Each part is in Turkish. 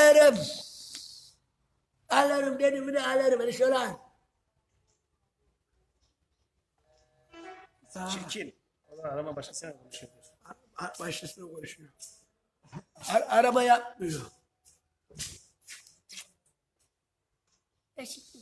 alırım. Alırım dedim de alırım. Hani şöyle al. Çirkin. Allah arama başkasıyla konuşuyor. Başkasıyla konuşuyor. Araba yapmıyor. Teşekkür.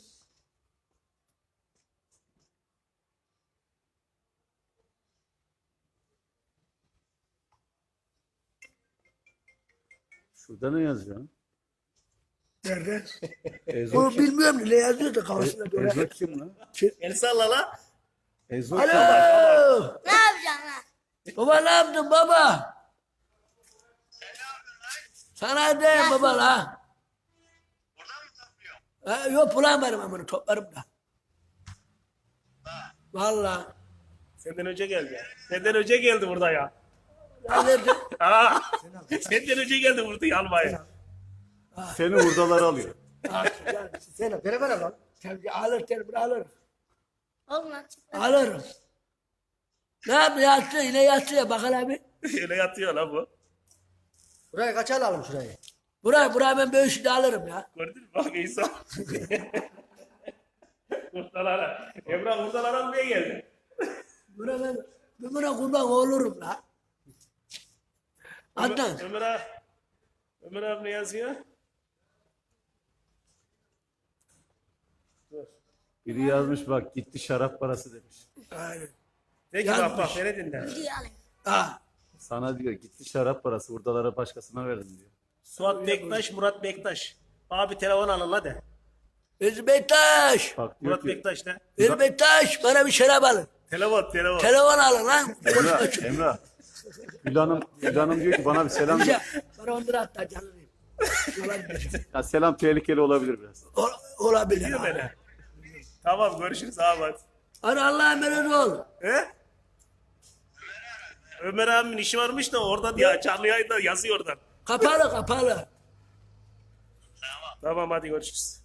Şurada ne yazıyor? Nerede? Ezo Onu kim? bilmiyorum ne yazıyor da kafasında böyle. Ezo kim lan? El salla la. Ezo Alo. kim? Ne yapacaksın lan? Baba ne yaptın baba? Sana deyim baba la. Yok bulamadım ama bunu toplarım da. Vallahi. Senden önce geldi. Senden önce geldi burada ya. Nerede? Aa, senden önce geldi burada yanmaya. Seni hurdalar alıyor. Sen beraber alalım. Tabii alır telefonu alırım. Oğlum lan çık. Alırım. Ne yaptı yattı yine yattı ya bakalım abi. Öyle yatıyor la bu. Burayı kaç alalım şurayı? Buraya ben böyle de alırım ya. Gördün mü? Bak İsa. Kurtalara. Emrah kurtalara almaya geldi. Ben buna kurban olurum la. Adnan. Ömer abi ne yazıyor? Dur. Biri yazmış bak gitti şarap parası demiş. Aynen. De ki Yazmış. bak beni dinle. Videoyu alayım. Ha. Sana diyor gitti şarap parası hurdalara başkasına verin diyor. Suat Bektaş, Murat Bektaş. Abi telefon alın la de. Özbektaş. Bak diyor Murat ki Bektaş de. Özbektaş bana bir şarap alın. Telefon. Telefon alın lan. Emrah. Gül Hanım diyor ki bana bir selam Güzel. ver. Bana 10 lira hatta canım. Ya selam tehlikeli olabilir biraz. Olabilir. Diyor abi. bana. Tamam görüşürüz abi hadi. Hadi Allah'a emanet ol. He? Ömer abimin işi varmış da orada ya canlı yayında yazıyor oradan. Kapalı. Tamam hadi görüşürüz.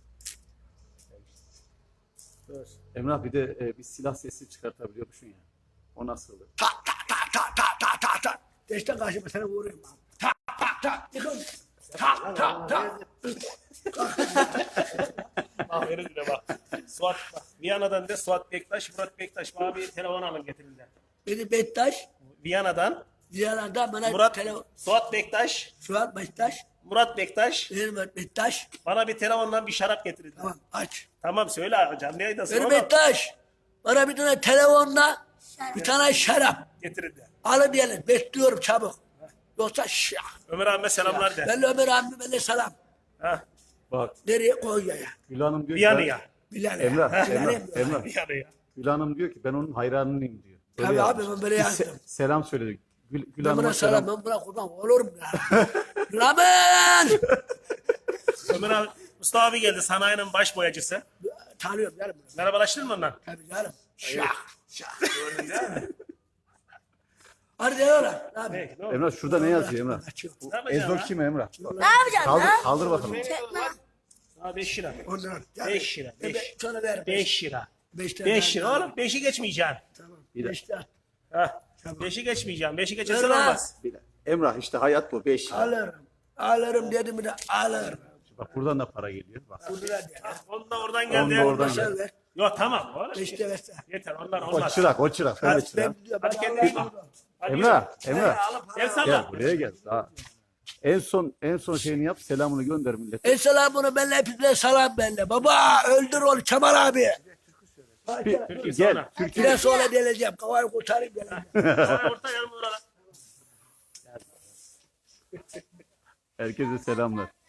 Dur. Emrah bir de bir silah sesi çıkartabiliyormuşsun ya. O nasıl olur? Tak. Deşten karşıma sana vuruyorum abi. Tak. Yıkın. Tak. Bak verin de bak. Suat bak. Viyana'dan de Suat Bektaş, Murat Bektaş. Bana bir telefon alın getirin de. Beni Bektaş. Viyana'dan Diyalardan bana telefon. Suat Bektaş, Suat Bektaş. Murat Bektaş. Benim Bektaş. Bana bir telefondan bir şarap getirin. Tamam aç. Tamam söyle canlı yayında Benim sonra Bektaş. Bana bir tane telefonla bir tane şarap. getirin de. Alın diyelim. Bekliyorum çabuk. Yoksa şah. Ömer abime selamlar de. Ben Ömer abime selam. Ha, Bak Nereye Konya'ya? Gül Hanım diyor ki Viyana'ya. Bilal'e. Emrah. Viyana'ya. Gül Hanım diyor ki ben onun hayranıyım diyor. Böyle Tabii yazmış. abi, ben böyle Bir yazdım. selam söyledi. Gül Ben Hanım'a buna selam. selam. Ben buna kurban olurum ya. Ramen! Ömer abi, Mustafa abi geldi sanayinin baş boyacısı. Tanıyorum canım. Merhabalaştın mı ondan? Tabii canım. Şah. Hadi gel oğlum. Abi. Hey, ne oldu? Emrah şurada ne yazıyor Emrah? Açıyor. Ne yapacaksın Ezo ha? kim Emrah? Ne yapacaksın Kaldır, lan? kaldır bakalım. Çek lan. Ha 5 lira. Ondan. 5 lira. 5. Sana ver. 5 lira. 5 5 lira oğlum 5'i geçmeyeceksin. Tamam. Bir de- 5 lira. Ha. 5'i geçmeyeceğim. 5'i geçersen Ver lan. olmaz. Bir de- Emrah işte hayat bu 5 lira. Alırım. Alırım dedim de alırım. Bak buradan da para geliyor. Bak. 10 lira diye. Onu da oradan Onu geldi. da oradan Sen geldi. ver. Yok tamam oğlum. 5 lira versen. Yeter onlar O olmaz. çırak. Öyle Hadi çırak. ben diyorum. Hadi Ben kendine iyi Allah'a bak. Hadi Emrah. yürü. El Gel salla. buraya gel. Daha. En son şeyini yap. Selamını gönder millete. El selamını benle hepinize selam benle. Baba öldür onu Kemal abi. Gel. Biraz sonra geleceğim. Kavayı kurtarayım geleceğim. Orta yanım oralar. Herkese selamlar.